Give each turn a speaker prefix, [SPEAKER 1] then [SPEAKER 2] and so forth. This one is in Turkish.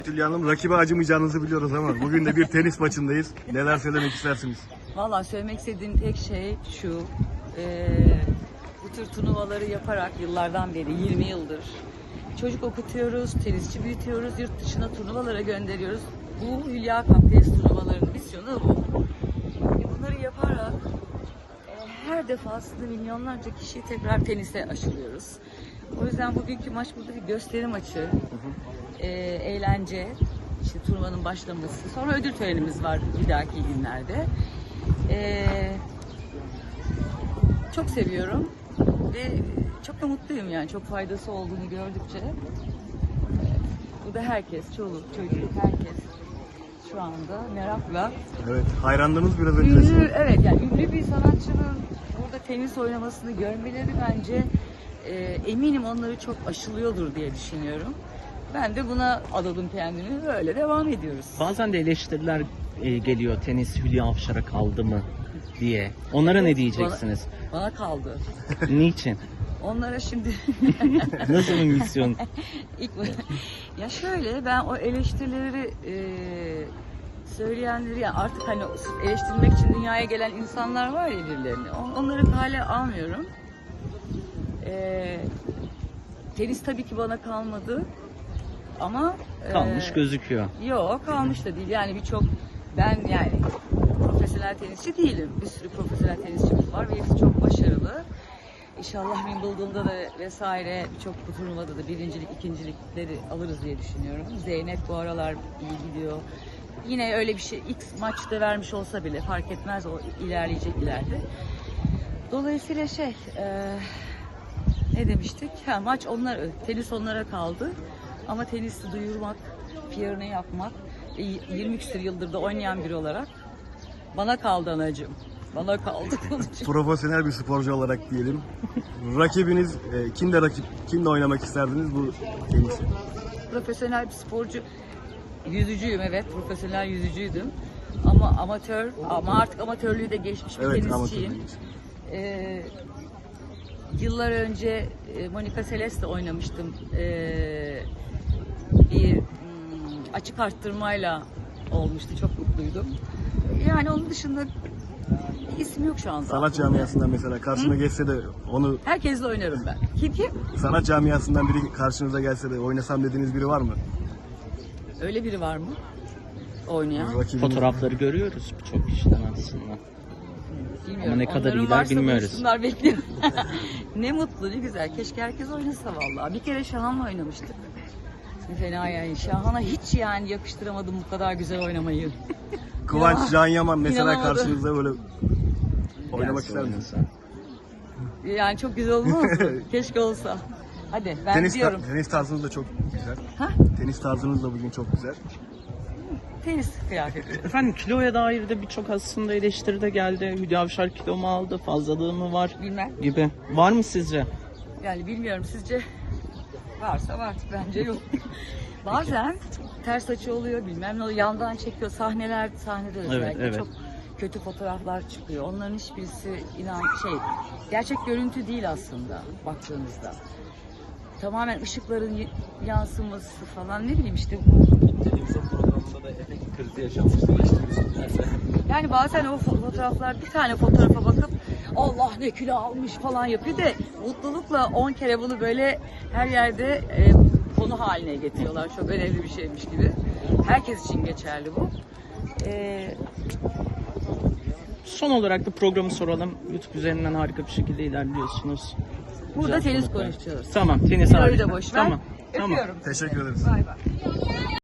[SPEAKER 1] Hülya Hanım, rakibe acımayacağınızı biliyoruz ama bugün de bir tenis maçındayız. Neler söylemek istersiniz?
[SPEAKER 2] Valla söylemek istediğim tek şey şu. Bu tür turnuvaları yaparak yıllardan beri, 20 yıldır çocuk okutuyoruz, tenisçi büyütüyoruz, yurt dışına turnuvalara gönderiyoruz. Bu Hülya Cup tenis turnuvalarının misyonu bu. Bunları yaparak her defasında milyonlarca kişiyi tekrar tenise aşılıyoruz. O yüzden bugünkü maç burada bir gösteri maçı, eğlence, işte turnuvanın başlaması, sonra ödül törenimiz var bir dahaki günlerde. Çok seviyorum ve çok da mutluyum yani, çok faydası olduğunu gördükçe. Bu da herkes, çoluk, çocuk, herkes şu anda merakla.
[SPEAKER 1] Evet, hayranlarınız biraz önce.
[SPEAKER 2] Evet, yani ünlü bir sanatçının burada tenis oynamasını görmeleri bence eminim onları çok aşılıyordur diye düşünüyorum. Ben de buna adadım kendimi, böyle devam ediyoruz.
[SPEAKER 3] Bazen de eleştiriler geliyor, tenis Hülya Avşar'a kaldı mı diye. Onlara ne diyeceksiniz?
[SPEAKER 2] Bana kaldı.
[SPEAKER 3] Niçin?
[SPEAKER 2] Onlara şimdi
[SPEAKER 3] Nasıl bir misyon?
[SPEAKER 2] ya şöyle, ben o eleştirileri söyleyenleri, yani artık hani eleştirmek için dünyaya gelen insanlar var ya birilerini, onları kale almıyorum. Tenis tabii ki bana kalmadı ama
[SPEAKER 3] Kalmış gözüküyor.
[SPEAKER 2] yok, kalmış da değil yani. Ben yani profesyonel tenisçi değilim. Bir sürü profesyonel tenisçimiz var ve hepsi çok başarılı. İnşallah Wimbledon'da da vesaire birçok turnuvada da birincilik, ikincilikleri alırız diye düşünüyorum. Zeynep bu aralar iyi gidiyor. Yine öyle bir şey, ilk maçta vermiş olsa bile fark etmez, o ilerleyecek ileride. Dolayısıyla ne demiştik? Maç tenis onlara kaldı. Ama tenisi duyurmak, PR'ını yapmak, 20 küsur yıldır da oynayan biri olarak bana kaldı anacığım. Bana kaldı.
[SPEAKER 1] Profesyonel bir sporcu olarak diyelim. Rakibiniz kimle oynamak isterdiniz bu tenisi?
[SPEAKER 2] Profesyonel bir sporcu, yüzücüyüm, evet, profesyonel yüzücüydüm. Ama artık amatörlüğü de geçmiş bir tenisçiyim. Yıllar önce Monica Seles'le oynamıştım. Bir açık arttırmayla olmuştu. Çok mutluydum. Yani onun dışında bir isim yok şu anda.
[SPEAKER 1] Sanat camiasından mesela karşına geçse de onu...
[SPEAKER 2] Herkesle oynarım ben. Kim?
[SPEAKER 1] Sanat camiasından biri karşınıza gelse de oynasam dediğiniz biri var mı?
[SPEAKER 2] Öyle biri var mı? Oynayan.
[SPEAKER 3] Fotoğrafları görüyoruz birçok kişiden aslında.
[SPEAKER 2] Bilmiyorum.
[SPEAKER 3] Ama ne kadar
[SPEAKER 2] Onların
[SPEAKER 3] iyiler
[SPEAKER 2] varsa
[SPEAKER 3] bilmiyoruz.
[SPEAKER 2] bulsunlar, bekliyorum. Ne mutlu, ne güzel. Keşke herkes oynasa vallahi. Bir kere Şahan'la oynamıştık. Fena yani. Şahan'a hiç yani yakıştıramadım bu kadar güzel oynamayı.
[SPEAKER 1] Kıvanç Can Yaman mesela
[SPEAKER 2] İnanamadım.
[SPEAKER 1] karşınızda böyle oynamak ister
[SPEAKER 3] Gelse
[SPEAKER 1] misiniz?
[SPEAKER 2] oynasa. Yani çok güzel olmaz mı? Keşke olsa. Hadi ben gidiyorum.
[SPEAKER 1] Tenis tarzınız da çok güzel.
[SPEAKER 2] Ha?
[SPEAKER 1] Tenis tarzınız da bugün çok güzel.
[SPEAKER 2] Tenis kıyafeti.
[SPEAKER 3] Efendim, kiloya dair de birçok aslında eleştiri de geldi. Hülya Avşar kilo mu aldı, fazlalığı mı var
[SPEAKER 2] Bilmem.
[SPEAKER 3] gibi. Var mı sizce?
[SPEAKER 2] Yani bilmiyorum, sizce varsa var, bence yok. Bazen ters açı oluyor, bilmem ne oluyor, yandan çekiyor, sahnede özellikle
[SPEAKER 3] evet.
[SPEAKER 2] çok kötü fotoğraflar çıkıyor. Onların hiçbirisi gerçek görüntü değil aslında baktığınızda. Tamamen ışıkların yansıması falan, ne bileyim işte.
[SPEAKER 4] Televizyon programında da efekt krizi yaşanmıştı.
[SPEAKER 2] Yani bazen o fotoğraflar, bir tane fotoğrafa bakıp Allah ne kilo almış falan yapıyor da mutlulukla 10 kere bunu böyle her yerde konu haline getiriyorlar. Çok önemli bir şeymiş gibi. Herkes için geçerli bu.
[SPEAKER 3] Son olarak da programı soralım. YouTube üzerinden harika bir şekilde ilerliyorsunuz.
[SPEAKER 2] Burada
[SPEAKER 3] Güzel
[SPEAKER 2] tenis
[SPEAKER 3] sohbetler.
[SPEAKER 2] konuşuyoruz.
[SPEAKER 3] Tamam, tenis
[SPEAKER 2] Kiloyu
[SPEAKER 3] harika.
[SPEAKER 2] da boş ver.
[SPEAKER 3] Tamam.
[SPEAKER 2] Öpüyorum.
[SPEAKER 1] Teşekkür ederiz.
[SPEAKER 2] Bay bay.